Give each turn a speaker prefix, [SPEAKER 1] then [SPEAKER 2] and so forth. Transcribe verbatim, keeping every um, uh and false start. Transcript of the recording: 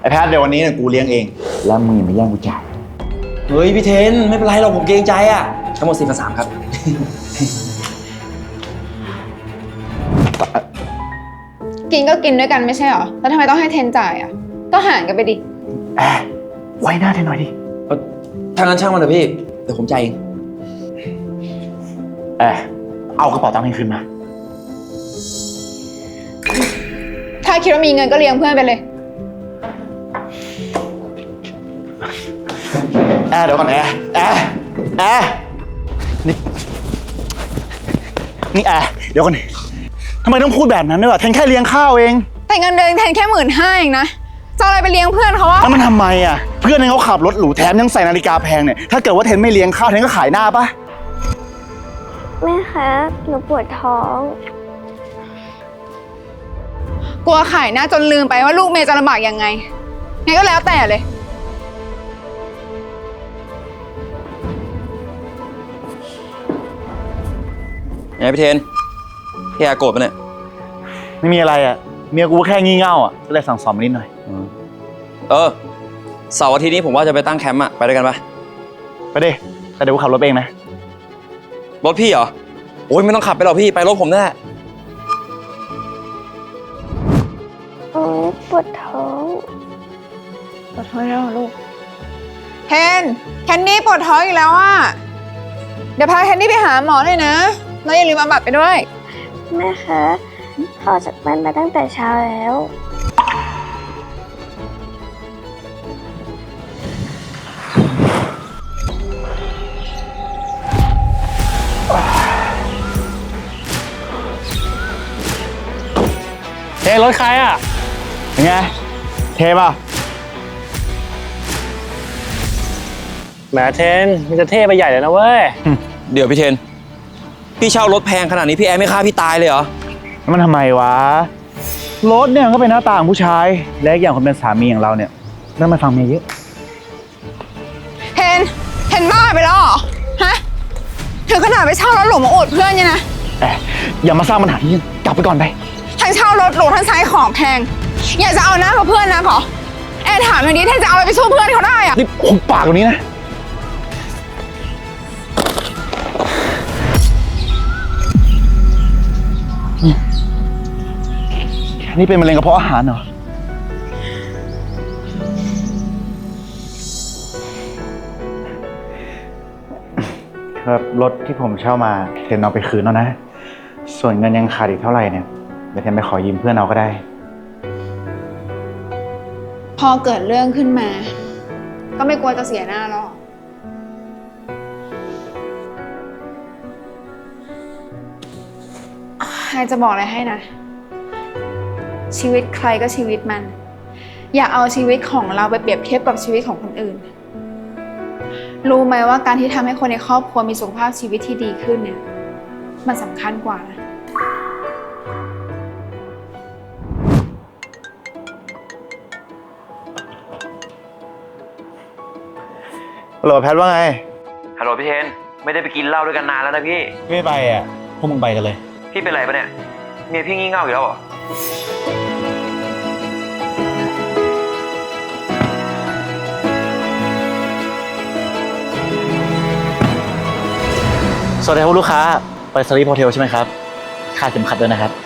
[SPEAKER 1] แพทเดี๋ยววันนี้เนี่ยกูเลี้ยงเองแล้วมึงอย่ามาแย่งกูจ่าย
[SPEAKER 2] เฮ้ยพี่เทนไม่เป็นไรหรอกผมเกรงใจอ่ะทั้งหมดสี่พันสามครับ
[SPEAKER 3] กินก็กินด้วยกันไม่ใช่หรอแล้วทำไมต้องให้เทนจ่ายอ่ะก็หารกันไปดิ
[SPEAKER 1] แอบไว้หน้าเทนหน่อยดิ
[SPEAKER 2] ทางนั้นช่างมันเถอะพี่เดี๋ยวผมจ่ายเอง
[SPEAKER 1] แอบเอากระเป๋าตังค์ให้คืนมา
[SPEAKER 3] ถ้าคิดว่ามีเงินก็เลี้ยงเพื่อนไปเลย
[SPEAKER 1] แอบเดี๋ยวก่อนแอบแอบแอบนี่นี่แอบเดี๋ยวก่อนทำไมต้องพูดแบบนั้นด้วยวะเทนแค่เลี้ยงข้าวเอง
[SPEAKER 3] แต่เงินเดือนเทนแค่หมื่นห้าเองนะจะอะไรไปเลี้ยงเพื่อนเขาวะ
[SPEAKER 1] แล้วมันทำไมอ่ะเพื่อนเทนเขาขับรถหรูแถมยังใส่นาฬิกาแพงเนี่ยถ้าเกิดว่าเทนไม่เลี้ยงข้าวเทนก็ขายหน้าปะ
[SPEAKER 4] แม่คะหนูปวดท้อง
[SPEAKER 3] กลัวขายหน้าจนลืมไปว่าลูกเมย์จะลำบากยังไงงั้นก็แล้วแต่เลย
[SPEAKER 2] ไงพี่เทนพี่อาโกรธปะเนี่ย
[SPEAKER 1] ไม่มีอะไรอ่ะเมียกูแค่งี่เง่าอ่ะก็เลยสั่งสอนมานิดหน่อย
[SPEAKER 2] เออเสาร์อาทิตย์นี้ผมว่าจะไปตั้งแคมป์อ่ะไปด้วยกันปะ
[SPEAKER 1] ไปดิแต่เดี๋ยวกูขับรถเองนะ
[SPEAKER 2] รถพี่เหรอโอ้ยไม่ต้องขับไปหรอกพี่ไปรถผมแน่
[SPEAKER 4] โอ้ยปวดท้อง
[SPEAKER 3] ปวดท้องแล้วลูกเทนแคนดี้ปวดท้องอีกแล้วอ่ะเดี๋ยวพาแคนดี้ไปหาหมอเลยนะแล้วอย่าลืมเอาบัตรไปด้วย
[SPEAKER 4] แม่คะออกจากบ้านมาตั้งแต่เช้าแล้ว
[SPEAKER 1] เทรถใครอ่ะยังไงเทป่ะ
[SPEAKER 5] แหมเทนมันจะเท่ไปใหญ่เลยนะเว้ย
[SPEAKER 2] เดี๋ยวพี่เทนพี่เช่ารถแพงขนาดนี้พี่แอร์ไม่ฆ่าพี่ตายเลยเหรอ
[SPEAKER 1] มันทำไมวะรถเนี่ยก็เป็นหน้าตาของผู้ชายและอย่างคนเป็นสามีอย่างเราเนี่ยต้องมาฟังเมียเยอะ
[SPEAKER 3] เทนเทนบ้าไปแล้วเหรอฮะถึงขนาดไปเช่ารถหรูมาอวดเพื่อนเนี่ยนะ
[SPEAKER 1] แอบอย่ามาสร้างปัญหาที่นี่กลับไปก่อนไป
[SPEAKER 3] ทั้งเช่ารถหรูทั้งใช้ของแพงอยากจะเอาหน้ากับเพื่อนนะขอแอนถามอย่างนี้เทนจะเอาอะไรไปสู้เพื่อนเขาได้อะ
[SPEAKER 1] นี่หุบปากตรงนี้นะนี่เป็นมะเร็งกระเพาะอาหารเหรอครับรถที่ผมเช่ามาเทนเอาไปคืนแล้วนะส่วนเงินยังขาดอีกเท่าไหร่เนี่ยเดี๋ยวเทนไปขอยืมเพื่อนเอาก็ได้
[SPEAKER 3] พอเกิดเรื่องขึ้นมาก็ไม่กลัวจะเสียหน้าหรอกใครจะบอกอะไรให้นะชีวิตใครก็ชีวิตมันอย่าเอาชีวิตของเราไปเปรียบเทียบกับชีวิตของคนอื่นรู้ไหมว่าการที่ทำให้คนในครอบครัวมีสุขภาพชีวิตที่ดีขึ้นเนี่ยมันสำคัญกว่านะ
[SPEAKER 1] ฮัลโหลแพทว่าไง
[SPEAKER 2] ฮัลโหลพี่เทนไม่ได้ไปกินเหล้าด้วยกันนานแล้วนะพี่
[SPEAKER 1] ไม่ไปอ่ะพวกมึงไปกันเลย
[SPEAKER 2] พี่เป็นไรปะเนี่ยเมียพี่งี่เง่าอยู่แล้วเหรอ
[SPEAKER 1] สวัสดีครับลูกค้าไปสลีปโฮเทลใช่ไหมครับค่าเข็มขัดด้วยนะครับ